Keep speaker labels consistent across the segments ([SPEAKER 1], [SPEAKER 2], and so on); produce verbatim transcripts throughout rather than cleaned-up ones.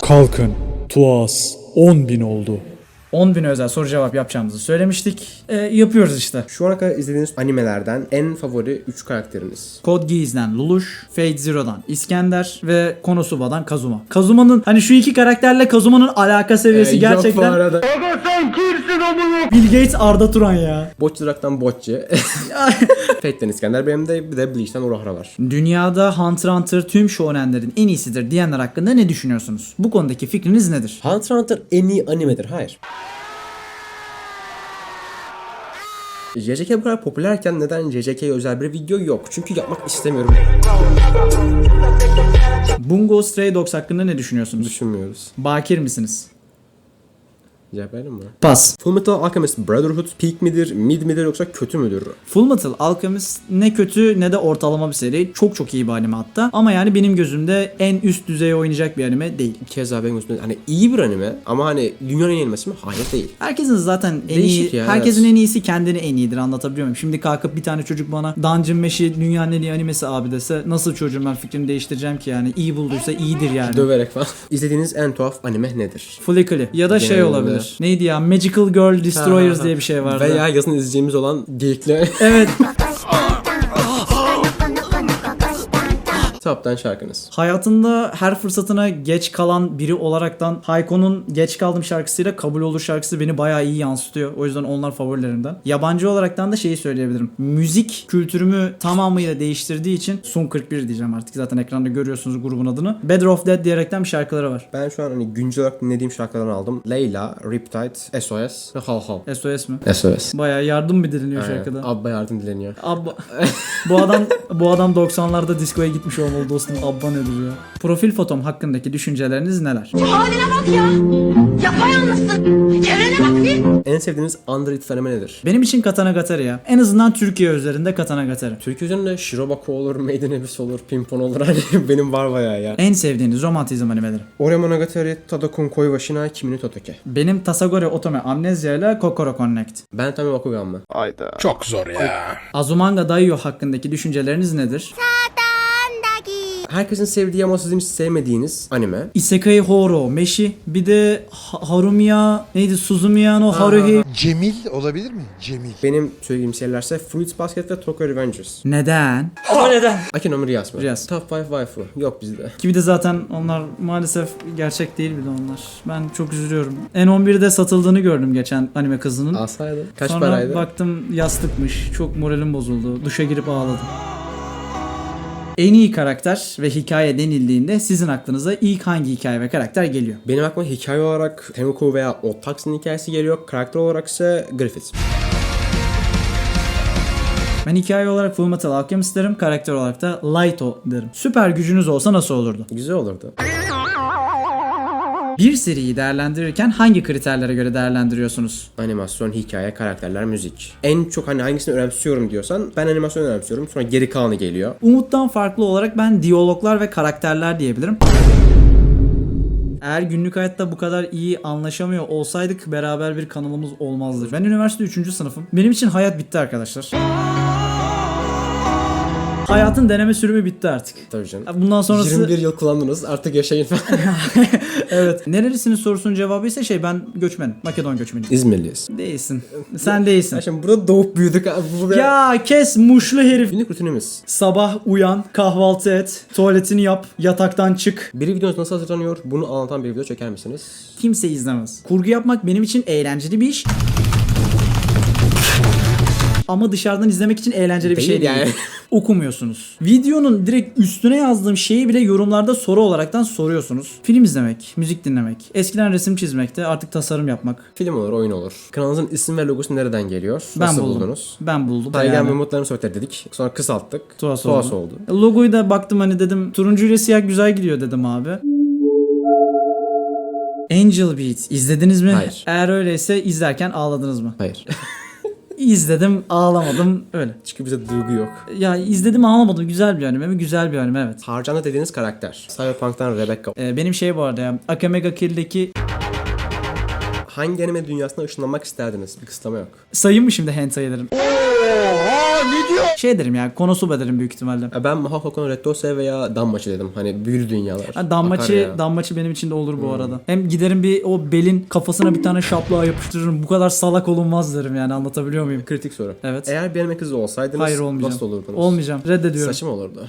[SPEAKER 1] Kalkın. Tuas on bin oldu.
[SPEAKER 2] on bin özel soru cevap yapacağımızı söylemiştik. E, yapıyoruz işte.
[SPEAKER 3] Şu ana kadar izlediğiniz animelerden en favori üç karakteriniz.
[SPEAKER 2] Code Geass'den Lelouch, Fate Zero'dan İskender ve Konosuba'dan Kazuma. Kazuma'nın hani şu iki karakterle Kazuma'nın alaka seviyesi
[SPEAKER 3] Ee, Yok bu
[SPEAKER 2] gerçekten
[SPEAKER 3] arada.
[SPEAKER 2] Bill Gates Arda Turan ya.
[SPEAKER 3] Botçurak'tan Botçi. Fate'den İskender. Benim de bir de Bleach'ten Urahara var.
[SPEAKER 2] Dünyada Hunter x Hunter tüm shonenlerin en iyisidir diyenler hakkında ne düşünüyorsunuz? Bu konudaki fikriniz nedir?
[SPEAKER 3] Hunter x Hunter en iyi animedir. Hayır. J J K bu kadar popülerken neden J J K'ye özel bir video yok? Çünkü yapmak istemiyorum.
[SPEAKER 2] Bungo Stray Dogs hakkında ne düşünüyorsunuz?
[SPEAKER 3] Düşünmüyoruz.
[SPEAKER 2] Bakir misiniz?
[SPEAKER 3] Cevap verelim mi?
[SPEAKER 2] Pas.
[SPEAKER 3] Fullmetal Alchemist Brotherhood peak midir, mid midir yoksa kötü müdür?
[SPEAKER 2] Fullmetal Alchemist ne kötü ne de ortalama bir seri. Çok çok iyi bir anime hatta. Ama yani benim gözümde en üst düzeye oynayacak bir anime değil.
[SPEAKER 3] Keza benim gözümde hani iyi bir anime ama hani dünyanın en iyi animesi mi? Hayır değil.
[SPEAKER 2] Herkesin zaten en
[SPEAKER 3] Değişik
[SPEAKER 2] iyi,
[SPEAKER 3] ya,
[SPEAKER 2] herkesin
[SPEAKER 3] evet.
[SPEAKER 2] en iyisi kendini en iyidir, anlatabiliyor muyum? Şimdi kalkıp bir tane çocuk bana Dungeon Mesh'i dünyanın en iyi animesi abi dese nasıl çocuğum ben fikrimi değiştireceğim ki yani? İyi bulduysa iyidir yani.
[SPEAKER 3] Döverek falan. İzlediğiniz en tuhaf anime nedir?
[SPEAKER 2] Flickly ya da şey
[SPEAKER 3] Genelde.
[SPEAKER 2] olabilir. Neydi ya? Magical Girl Destroyers diye bir şey vardı.
[SPEAKER 3] Veya yazın izleyeceğimiz olan geyikli.
[SPEAKER 2] Evet.
[SPEAKER 3] Top'tan şarkınız.
[SPEAKER 2] Hayatında her fırsatına geç kalan biri olaraktan Hayko'nun Geç Kaldım şarkısıyla Kabul Olur şarkısı beni bayağı iyi yansıtıyor. O yüzden onlar favorilerimden. Yabancı olaraktan da şeyi söyleyebilirim. Müzik kültürümü tamamıyla değiştirdiği için Sun kırk bir diyeceğim artık. Zaten ekranda görüyorsunuz grubun adını. Better of Dead diyerekten bir şarkıları var.
[SPEAKER 3] Ben şu an hani güncel olarak dinlediğim şarkılardan aldım. Layla, Riptide, S O S ve Hal Hal.
[SPEAKER 2] S O S mi?
[SPEAKER 3] S O S.
[SPEAKER 2] Bayağı yardım mı dileniyor
[SPEAKER 3] Aynen.
[SPEAKER 2] şarkıda?
[SPEAKER 3] Abba yardım dileniyor.
[SPEAKER 2] Abba. bu adam bu adam doksanlarda diskoya gitmiş olmalı dostum. Abba nedir ya? Profil fotom hakkındaki düşünceleriniz neler?
[SPEAKER 4] Haline bak ya. Yapayalnızsın. Çevrene bak bir.
[SPEAKER 3] En sevdiğiniz underrated anime nedir?
[SPEAKER 2] Benim için Katana Gatari ya. En azından Türkiye üzerinde Katana Gatari.
[SPEAKER 3] Türkiye üzerinde Shirobako olur, Maiden Abyss olur, Pimpon olur hani benim var bayağı ya.
[SPEAKER 2] En sevdiğiniz romantizm animeleri.
[SPEAKER 3] Ore Monogatari, Tadokun Koi wa Shinai Kimi no Totoke.
[SPEAKER 2] Benim Tasagore Otome Amnesia ile Kokoro Connect.
[SPEAKER 3] Ben Tami Bakugan mı?
[SPEAKER 1] Çok zor ya.
[SPEAKER 2] Azumanga Daioh hakkındaki düşünceleriniz nedir?
[SPEAKER 3] Herkesin sevdiği ama sizin hiç sevmediğiniz anime.
[SPEAKER 2] Isekai Horo Meshi, bir de Ha- Harumiya neydi Suzumiya no Haruhi.
[SPEAKER 5] Cemil olabilir mi? Cemil.
[SPEAKER 3] Benim söylediğim şeylerse Fruits Basket ve Tokyo Revengers.
[SPEAKER 2] Neden? Ama neden?
[SPEAKER 3] Akino no Riyas mı?
[SPEAKER 2] Riyas.
[SPEAKER 3] Top beş waifu. Yok bizde.
[SPEAKER 2] Ki bir de zaten onlar maalesef gerçek değil bir de onlar. Ben çok üzülüyorum. N on birde satıldığını gördüm geçen anime kızının.
[SPEAKER 3] Alsaydı. Kaç
[SPEAKER 2] Sonra
[SPEAKER 3] paraydı?
[SPEAKER 2] baktım yastıkmış. Çok moralim bozuldu. Duşa girip ağladım. En iyi karakter ve hikaye denildiğinde sizin aklınıza ilk hangi hikaye ve karakter geliyor?
[SPEAKER 3] Benim aklıma hikaye olarak Temuko veya Otaxi'nin hikayesi geliyor. Karakter olarak ise Griffith.
[SPEAKER 2] Ben hikaye olarak Fullmetal Alchemist derim, karakter olarak da Lighto derim. Süper gücünüz olsa nasıl olurdu?
[SPEAKER 3] Güzel olurdu.
[SPEAKER 2] Bir seriyi değerlendirirken hangi kriterlere göre değerlendiriyorsunuz?
[SPEAKER 3] Animasyon, hikaye, karakterler, müzik. En çok hani hangisini önemsiyorum diyorsan ben animasyon önemsiyorum. Sonra geri kalanı geliyor.
[SPEAKER 2] Umut'tan farklı olarak ben diyaloglar ve karakterler diyebilirim. Eğer günlük hayatta bu kadar iyi anlaşamıyor olsaydık beraber bir kanalımız olmazdı. Ben üniversite üçüncü sınıfım. Benim için hayat bitti arkadaşlar. Hayatın deneme sürümü bitti artık.
[SPEAKER 3] Tabii canım.
[SPEAKER 2] Bundan sonrası...
[SPEAKER 3] yirmi bir yıl kullandınız artık yaşayın falan.
[SPEAKER 2] Evet. Nerelisinin sorusunun cevabı ise şey ben göçmenim. Makedon göçmeniyim.
[SPEAKER 3] İzmirliyiz.
[SPEAKER 2] Değilsin. Sen değilsin.
[SPEAKER 3] Ya şimdi burada doğup büyüdük. Burada...
[SPEAKER 2] Ya kes muşlu herif.
[SPEAKER 3] Günlük rutinimiz.
[SPEAKER 2] Sabah uyan, kahvaltı et, tuvaletini yap, yataktan çık.
[SPEAKER 3] Bir videonuz nasıl hazırlanıyor? Bunu anlatan bir video çeker misiniz?
[SPEAKER 2] Kimse izlemez. Kurgu yapmak benim için eğlenceli bir iş. Ama dışarıdan izlemek için eğlenceli bir
[SPEAKER 3] Değil
[SPEAKER 2] şey değil.
[SPEAKER 3] yani.
[SPEAKER 2] Okumuyorsunuz. Videonun direkt üstüne yazdığım şeyi bile yorumlarda soru olaraktan soruyorsunuz. Film izlemek, müzik dinlemek, eskiden resim çizmekte, artık tasarım yapmak.
[SPEAKER 3] Film olur, oyun olur. Kanalınızın isim ve logosu nereden geliyor?
[SPEAKER 2] Ben
[SPEAKER 3] Nasıl
[SPEAKER 2] buldum.
[SPEAKER 3] buldunuz?
[SPEAKER 2] Ben buldum.
[SPEAKER 3] Taygen
[SPEAKER 2] Yani.
[SPEAKER 3] ve Umutlarını Söter dedik. Sonra kısalttık.
[SPEAKER 2] Tuhaf
[SPEAKER 3] Tuhaf
[SPEAKER 2] oldu.
[SPEAKER 3] oldu.
[SPEAKER 2] Logoyu da baktım hani dedim turuncu ile siyah güzel gidiyor dedim abi. Angel Beats izlediniz mi?
[SPEAKER 3] Hayır.
[SPEAKER 2] Eğer öyleyse izlerken ağladınız mı?
[SPEAKER 3] Hayır.
[SPEAKER 2] İzledim, ağlamadım öyle.
[SPEAKER 3] Çünkü bize duygu yok.
[SPEAKER 2] Ya izledim ağlamadım. Güzel bir anime mi? Güzel bir anime evet.
[SPEAKER 3] Harcandı dediğiniz karakter. Cyberpunk'tan Rebecca.
[SPEAKER 2] Ee, benim şey bu arada ya. Akame ga Kill'deki
[SPEAKER 3] hangi anime dünyasına ışınlanmak isterdiniz? Bir kısıtlama yok.
[SPEAKER 2] Sayayım mı şimdi hentai'lerim?
[SPEAKER 5] Oha ne diyor?
[SPEAKER 2] Şey derim ya, Konosuba derim büyük ihtimalle.
[SPEAKER 3] Ya ben Mahou no Rettose veya Danmachi dedim. Hani büyülü dünyalar.
[SPEAKER 2] Ha, Danmachi, Danmachi benim için de olur bu arada. Hem giderim bir o belin kafasına bir tane şaplığa yapıştırırım. Bu kadar salak olunmaz derim yani, anlatabiliyor muyum?
[SPEAKER 3] Kritik soru.
[SPEAKER 2] Evet.
[SPEAKER 3] Eğer bir anime kızı olsaydınız
[SPEAKER 2] Hayır, olmayacağım.
[SPEAKER 3] nasıl olurdunuz?
[SPEAKER 2] Olmayacağım. Reddediyorum.
[SPEAKER 3] Saçım olurdu.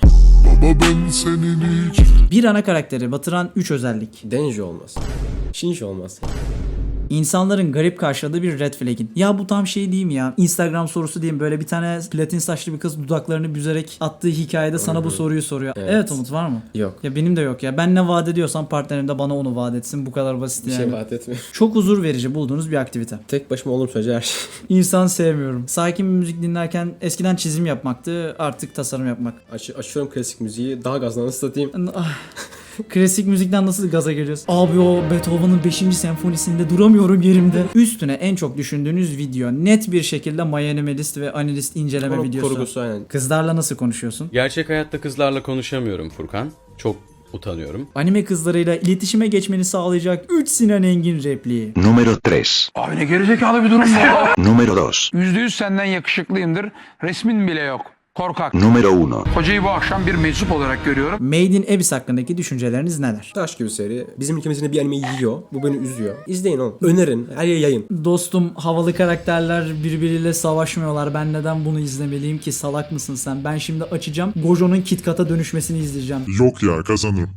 [SPEAKER 2] Bir ana karakteri batıran üç özellik.
[SPEAKER 3] Denji olmaz. Shinji olmaz.
[SPEAKER 2] İnsanların garip karşıladığı bir red flag'in. Ya bu tam şey değil mi ya? Instagram sorusu diyeyim, böyle bir tane platin saçlı bir kız dudaklarını büzerek attığı hikayede sana bu soruyu soruyor. Evet.
[SPEAKER 3] Evet.
[SPEAKER 2] Umut, var mı?
[SPEAKER 3] Yok.
[SPEAKER 2] Ya benim de yok ya. Ben ne vaat ediyorsam partnerim de bana onu vaat etsin. Bu kadar basit
[SPEAKER 3] Bir
[SPEAKER 2] yani.
[SPEAKER 3] şey vaat etmiyor.
[SPEAKER 2] Çok huzur verici bulduğunuz bir aktivite.
[SPEAKER 3] Tek başıma olduğum sürece her şey.
[SPEAKER 2] İnsan sevmiyorum. Sakin bir müzik dinlerken eskiden çizim yapmaktı, artık tasarım yapmak.
[SPEAKER 3] Aç, açıyorum klasik müziği. Daha gazla nasıl satayım?
[SPEAKER 2] Ah. Klasik müzikten nasıl gaza geliyorsun? Abi o Beethoven'ın beşinci senfonisinde duramıyorum yerimde. Üstüne en çok düşündüğünüz video net bir şekilde My Animalist ve Analist inceleme
[SPEAKER 3] Onun
[SPEAKER 2] videosu.
[SPEAKER 3] kurgusu aynen.
[SPEAKER 2] Kızlarla nasıl konuşuyorsun?
[SPEAKER 6] Gerçek hayatta kızlarla konuşamıyorum Furkan. Çok utanıyorum.
[SPEAKER 2] Anime kızlarıyla iletişime geçmeni sağlayacak üç Sinan Engin repliği.
[SPEAKER 7] Número tres.
[SPEAKER 8] Abi ne gerizekalı bir durum bu ya.
[SPEAKER 7] Número dos.
[SPEAKER 8] Yüzde yüz senden yakışıklıyımdır. Resmin bile yok. Korkak.
[SPEAKER 7] Número uno.
[SPEAKER 8] Hocayı bu akşam bir meczup olarak görüyorum.
[SPEAKER 2] Made in Abyss hakkındaki düşünceleriniz neler?
[SPEAKER 3] Taş gibi seri. Bizim ülkemizin bir anime yiyor. Bu beni üzüyor. İzleyin oğlum. Önerin. Her yere yayın.
[SPEAKER 2] Dostum, havalı karakterler birbiriyle savaşmıyorlar. Ben neden bunu izlemeliyim ki? Salak mısın sen? Ben şimdi açacağım. Gojo'nun KitKat'a dönüşmesini izleyeceğim.
[SPEAKER 9] Yok ya, kazanırım.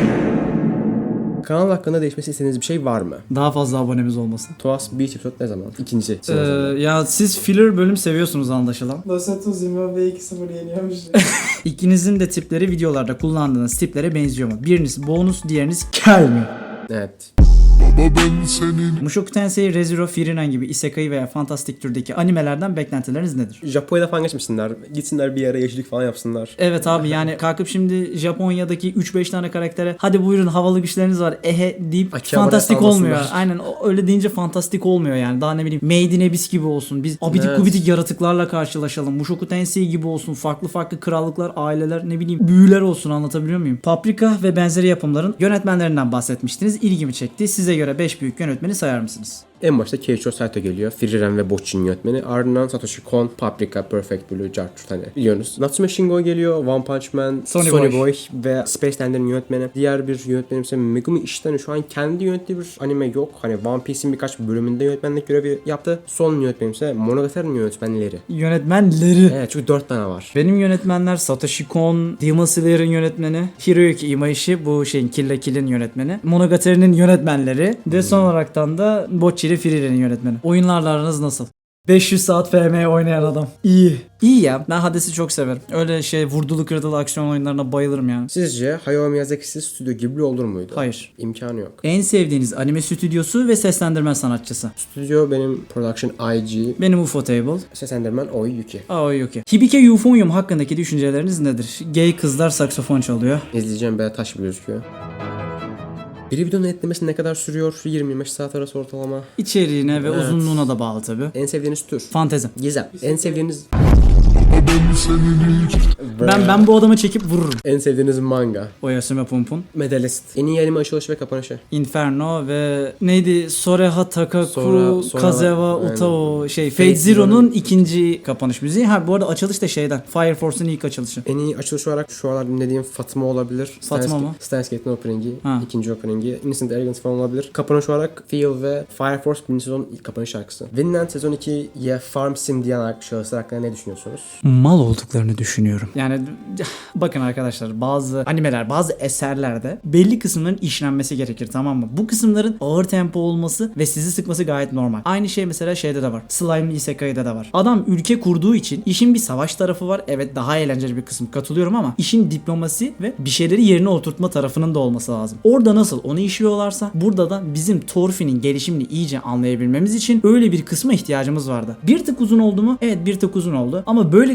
[SPEAKER 3] Kanal hakkında değişmesi istediğiniz bir şey var mı?
[SPEAKER 2] Daha fazla abonemiz olmasın.
[SPEAKER 3] Tuas Beach episode ne zaman? İkinci.
[SPEAKER 2] Ee, ya siz filler bölüm seviyorsunuz anlaşılan. Dosatu Zimbabwe iki sıfır yeniyormuş. İkinizin de tipleri videolarda kullandığınız tiplere benziyor mu? Biriniz bonus, diğeriniz kel mi?
[SPEAKER 3] Evet.
[SPEAKER 2] Mushoku Tensei, Re:Zero, Frieren gibi isekai veya fantastik türdeki animelerden beklentileriniz nedir?
[SPEAKER 3] Japonya'da falan geçmişsinler. Gitsinler bir yere yeşillik falan yapsınlar.
[SPEAKER 2] Evet abi, yani kalkıp şimdi Japonya'daki üç beş tane karaktere hadi buyurun havalı güçleriniz var ehe deyip
[SPEAKER 3] Akihabara
[SPEAKER 2] fantastik
[SPEAKER 3] salmasınlar.
[SPEAKER 2] olmuyor. Aynen o- öyle deyince fantastik olmuyor yani. Daha ne bileyim Made in Abyss gibi olsun. Biz abidik
[SPEAKER 3] Evet.
[SPEAKER 2] gubidik yaratıklarla karşılaşalım. Mushoku Tensei gibi olsun. Farklı farklı krallıklar, aileler, ne bileyim büyüler olsun, anlatabiliyor muyum? Paprika ve benzeri yapımların yönetmenlerinden bahsetmiştiniz. İlgimi çekti. Size göre beş büyük yönetmeni sayar mısınız?
[SPEAKER 3] En başta Keiichiro Saito geliyor. Frieren ve Bocchi'nin yönetmeni. Ardından Satoshi Kon, Paprika, Perfect Blue, Jarchut hani biliyorsunuz. Natsume Shingo geliyor. One Punch Man,
[SPEAKER 2] Sonny
[SPEAKER 3] Sonny,
[SPEAKER 2] Boy.
[SPEAKER 3] Boy ve Space Dandy'nin yönetmeni. Diğer bir yönetmenim ise Megumi Ishitani. Şu an kendi yönettiği bir anime yok. Hani One Piece'in birkaç bölümünde yönetmenlik görevi yaptı. Son yönetmenim ise Monogatari'nin yönetmenleri.
[SPEAKER 2] Yönetmenleri.
[SPEAKER 3] Evet, çünkü dört tane var.
[SPEAKER 2] Benim yönetmenler Satoshi Kon, Demon Slayer'ın yönetmeni, Hiroyuki Imaishi, bu şeyin Kill la Kill'in yönetmeni, Monogatari'nin yönetmenleri ve son olaraktan da Bocchi ile Frieren'in yönetmeni. Oyunlarla aranız nasıl? beş yüz saat F M oynayan adam. İyi. İyi ya. Ben Hades'i çok severim. Öyle şey vurdulu kırdılı aksiyon oyunlarına bayılırım yani.
[SPEAKER 3] Sizce Hayao Miyazaki'siz Stüdyo Ghibli olur muydu?
[SPEAKER 2] Hayır.
[SPEAKER 3] İmkanı yok.
[SPEAKER 2] En sevdiğiniz anime stüdyosu ve seslendirme sanatçısı?
[SPEAKER 3] Stüdyo benim Production I G,
[SPEAKER 2] Benim Ufotable.
[SPEAKER 3] seslendirmen Oyuki.
[SPEAKER 2] Aa, yok ya. Hibike Euphonium hakkındaki düşünceleriniz nedir? Gay kızlar saksafon çalıyor.
[SPEAKER 3] İzleyeceğim be taş gibi gözüküyor. Bir videonun etlemesi ne kadar sürüyor? yirmi yirmi beş saat arası ortalama.
[SPEAKER 2] İçeriğine ve
[SPEAKER 3] Evet.
[SPEAKER 2] uzunluğuna da bağlı tabi.
[SPEAKER 3] En sevdiğiniz tür?
[SPEAKER 2] Fantezi.
[SPEAKER 3] Gizem. En sevdiğiniz...
[SPEAKER 2] Ben ben bu adamı çekip vururum.
[SPEAKER 3] En sevdiğiniz manga?
[SPEAKER 2] Oyasumi Punpun.
[SPEAKER 3] Medalist. En iyi anime açılışı ve kapanışı?
[SPEAKER 2] Inferno ve neydi? Soreha Takaku
[SPEAKER 3] Sonra- sonra-
[SPEAKER 2] Kazewa
[SPEAKER 3] aynen.
[SPEAKER 2] Utao şey
[SPEAKER 3] Fate
[SPEAKER 2] Fate Zero'nun
[SPEAKER 3] Zero'nun
[SPEAKER 2] ikinci kapanış müziği. Ha bu arada açılış da şeyden. Fire Force'un ilk açılışı.
[SPEAKER 3] En iyi açılış olarak şu aralar dinlediğim Fatma olabilir.
[SPEAKER 2] Fatma mı?
[SPEAKER 3] Steins Gate'in opening'i.
[SPEAKER 2] Ha.
[SPEAKER 3] ikinci opening'i. Innocent Arrogance falan olabilir. Kapanış olarak Feel ve Fire Force birinci sezon ilk kapanış şarkısı. Vinland sezon ikiye Farm Sim diyen şahıslar hakkında ne düşünüyorsunuz?
[SPEAKER 2] Mal olduklarını düşünüyorum. Yani bakın arkadaşlar, bazı animeler, bazı eserlerde belli kısımların işlenmesi gerekir, tamam mı? Bu kısımların ağır tempo olması ve sizi sıkması gayet normal. Aynı şey mesela şeyde de var. Slime'li Isekai'de de var. Adam ülke kurduğu için işin bir savaş tarafı var. Evet, daha eğlenceli bir kısım, katılıyorum, ama işin diplomasi ve bir şeyleri yerine oturtma tarafının da olması lazım. Orada nasıl onu işliyorlarsa burada da bizim Thorfinn'in gelişimini iyice anlayabilmemiz için öyle bir kısma ihtiyacımız vardı. Bir tık uzun oldu mu? Evet, bir tık uzun oldu. Ama böyle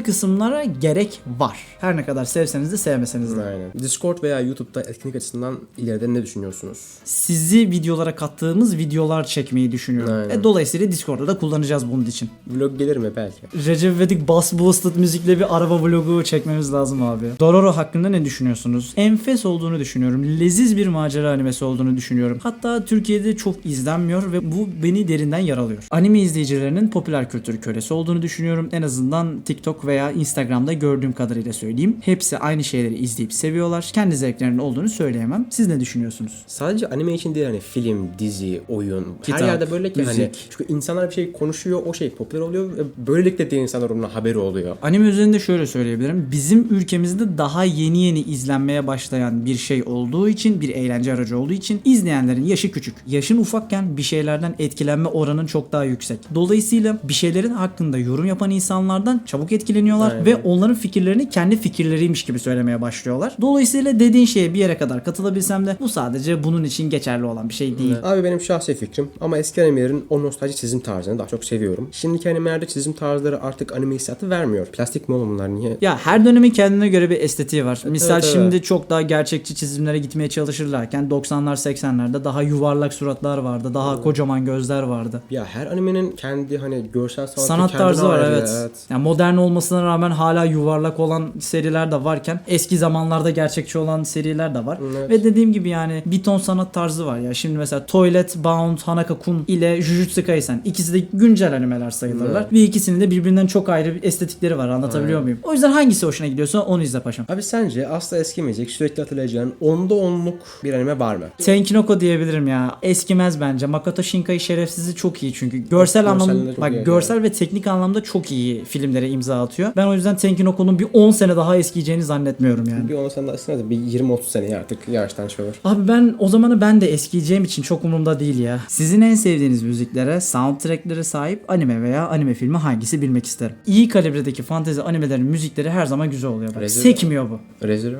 [SPEAKER 2] kısımlara gerek var. Her ne kadar sevseniz de sevmeseniz de.
[SPEAKER 3] Aynen. Discord veya YouTube'da etkinlik açısından ileride ne düşünüyorsunuz?
[SPEAKER 2] Sizi videolara kattığımız videolar çekmeyi düşünüyorum.
[SPEAKER 3] Aynen.
[SPEAKER 2] E, dolayısıyla Discord'da da kullanacağız bunun için.
[SPEAKER 3] Vlog gelir mi belki?
[SPEAKER 2] Recep İvedik Bass Boosted müzikle bir araba vlogu çekmemiz lazım abi. Dororo hakkında ne düşünüyorsunuz? Enfes olduğunu düşünüyorum. Leziz bir macera animesi olduğunu düşünüyorum. Hatta Türkiye'de çok izlenmiyor ve bu beni derinden yaralıyor. Anime izleyicilerinin popüler kültür kölesi olduğunu düşünüyorum. En azından TikTok veya Instagram'da gördüğüm kadarıyla söyleyeyim. Hepsi aynı şeyleri izleyip seviyorlar. Kendi zevklerinin olduğunu söyleyemem. Siz ne düşünüyorsunuz?
[SPEAKER 3] Sadece anime için değil, hani film, dizi, oyun,
[SPEAKER 2] Kitap,
[SPEAKER 3] her yerde böyle ki hani
[SPEAKER 2] müzik.
[SPEAKER 3] çünkü insanlar bir şey konuşuyor, o şey popüler oluyor ve böylelikle diğer insanlar onun haberi oluyor.
[SPEAKER 2] Anime üzerinde şöyle söyleyebilirim. Bizim ülkemizde daha yeni yeni izlenmeye başlayan bir şey olduğu için, bir eğlence aracı olduğu için izleyenlerin yaşı küçük. Yaşın ufakken bir şeylerden etkilenme oranın çok daha yüksek. Dolayısıyla bir şeylerin hakkında yorum yapan insanlardan çabuk etkileniyorlar
[SPEAKER 3] Aynen.
[SPEAKER 2] ve onların fikirlerini kendi fikirleriymiş gibi söylemeye başlıyorlar. Dolayısıyla dediğin şeye bir yere kadar katılabilsem de bu sadece bunun için geçerli olan bir şey değil.
[SPEAKER 3] Abi benim şahsi fikrim ama eski animelerin o nostalji çizim tarzını daha çok seviyorum. Şimdiki animelerde çizim tarzları artık anime hissiyatı vermiyor. Plastik mi oğlum bunlar, niye?
[SPEAKER 2] Ya her dönemin kendine göre bir estetiği var. Misal
[SPEAKER 3] evet, evet.
[SPEAKER 2] şimdi çok daha gerçekçi çizimlere gitmeye çalışırlarken doksanlar seksenlerde daha yuvarlak suratlar vardı. Daha kocaman gözler vardı.
[SPEAKER 3] Ya her animenin kendi hani görsel sanatı,
[SPEAKER 2] Sanat
[SPEAKER 3] kendine
[SPEAKER 2] tarzı var,
[SPEAKER 3] ayrı,
[SPEAKER 2] evet. Yani modern olmasına rağmen hala yuvarlak olan seriler de varken eski zamanlarda gerçekçi olan seriler de var.
[SPEAKER 3] Evet.
[SPEAKER 2] Ve dediğim gibi yani bir ton sanat tarzı var ya. Şimdi mesela Toilet Bound Hanaka-kun ile Jujutsu Kaisen, ikisi de güncel animeler sayılırlar.
[SPEAKER 3] Evet.
[SPEAKER 2] Ve ikisinin de birbirinden çok ayrı bir estetikleri var. Anlatabiliyor muyum? O yüzden hangisi hoşuna gidiyorsa onu izle paşam.
[SPEAKER 3] Abi sence asla eskimeyecek, sürekli hatırlayacağın onda onluk bir anime var mı?
[SPEAKER 2] Tenkinoko diyebilirim ya. Eskimez bence. Makoto Shinkai şerefsizi çok iyi çünkü. Görsel
[SPEAKER 3] Görselleri
[SPEAKER 2] anlamda
[SPEAKER 3] çok
[SPEAKER 2] bak
[SPEAKER 3] iyi,
[SPEAKER 2] görsel ve teknik anlamda çok iyi filmlere imza atıyor. Ben o yüzden Tenkinoko'nun bir on sene daha eskiyeceğini zannetmiyorum yani.
[SPEAKER 3] Bir on sene aslında da bir yirmi otuz seneye artık yavaştan şey olur.
[SPEAKER 2] Abi ben o zamanı ben de eskiyeceğim için çok umurumda değil ya. Sizin en sevdiğiniz müziklere, soundtracklere sahip anime veya anime filmi hangisi bilmek isterim. İyi kalibredeki fantezi animelerin müzikleri her zaman güzel oluyor. Bak.
[SPEAKER 3] Rezil-
[SPEAKER 2] Sekmiyor bu.
[SPEAKER 3] Rezero.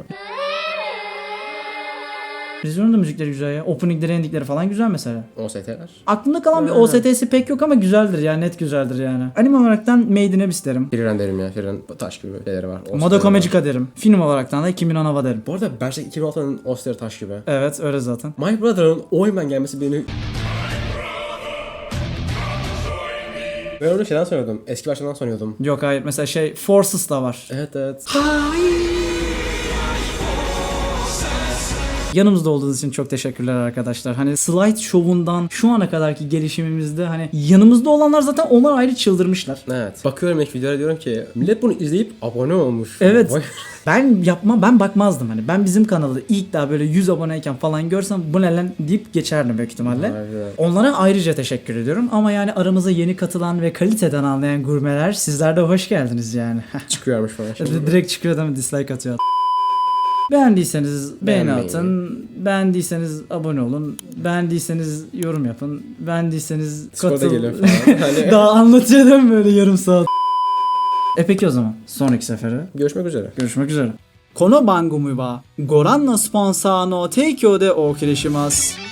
[SPEAKER 2] Rizzo'nun da müzikleri güzel ya. Openingleri, endingleri falan güzel mesela.
[SPEAKER 3] O S T'ler.
[SPEAKER 2] Aklımda kalan bir O S T'si pek yok ama güzeldir ya, net güzeldir yani. Anime olaraktan Made in Abyss derim.
[SPEAKER 3] Frieren derim ya. Frieren taş gibi şeyleri var. O S T'leri
[SPEAKER 2] Madoka
[SPEAKER 3] var.
[SPEAKER 2] Magica derim. Film olaraktan da Kimi no Na wa derim.
[SPEAKER 3] Bu arada Berserk iki bin altı'nın O S T'leri taş gibi.
[SPEAKER 2] Evet öyle zaten.
[SPEAKER 3] My Brother'ın Oyman gelmesi beni... Ben onu şeyden sanıyordum. Eski versiyondan sanıyordum.
[SPEAKER 2] Yok hayır, mesela şey Forces da var.
[SPEAKER 3] Evet evet.
[SPEAKER 2] Yanımızda olduğunuz için çok teşekkürler arkadaşlar. Hani slide show'undan şu ana kadarki gelişimimizde hani yanımızda olanlar zaten onlar ayrı çıldırmışlar.
[SPEAKER 3] Evet. Bakıyorum ilk videolara, diyorum ki millet bunu izleyip abone olmuş.
[SPEAKER 2] Evet.
[SPEAKER 3] Vay.
[SPEAKER 2] Ben yapma ben bakmazdım hani. Ben bizim kanalı ilk daha böyle yüz aboneyken falan görsem bu ne lan deyip geçerdim büyük ihtimalle.
[SPEAKER 3] Aynen.
[SPEAKER 2] Onlara ayrıca teşekkür ediyorum. Ama yani aramıza yeni katılan ve kaliteden anlayan gurmeler, sizler de hoş geldiniz yani.
[SPEAKER 3] Çıkıyormuş falan şimdi.
[SPEAKER 2] Direkt çıkıyor değil mi? Dislike atıyor. Beğendiyseniz beğeni
[SPEAKER 3] Beğenmeyi.
[SPEAKER 2] atın. Beğendiyseniz abone olun. Beğendiyseniz yorum yapın. Beğendiyseniz
[SPEAKER 3] Discord'a
[SPEAKER 2] katıl.
[SPEAKER 3] gelin falan. Hani
[SPEAKER 2] Daha anlatıyor değil mi böyle yarım saat? E peki o zaman sonraki sefere
[SPEAKER 3] görüşmek üzere.
[SPEAKER 2] görüşmek üzere. この番組はご覧のスポンサーの提供でお送りします。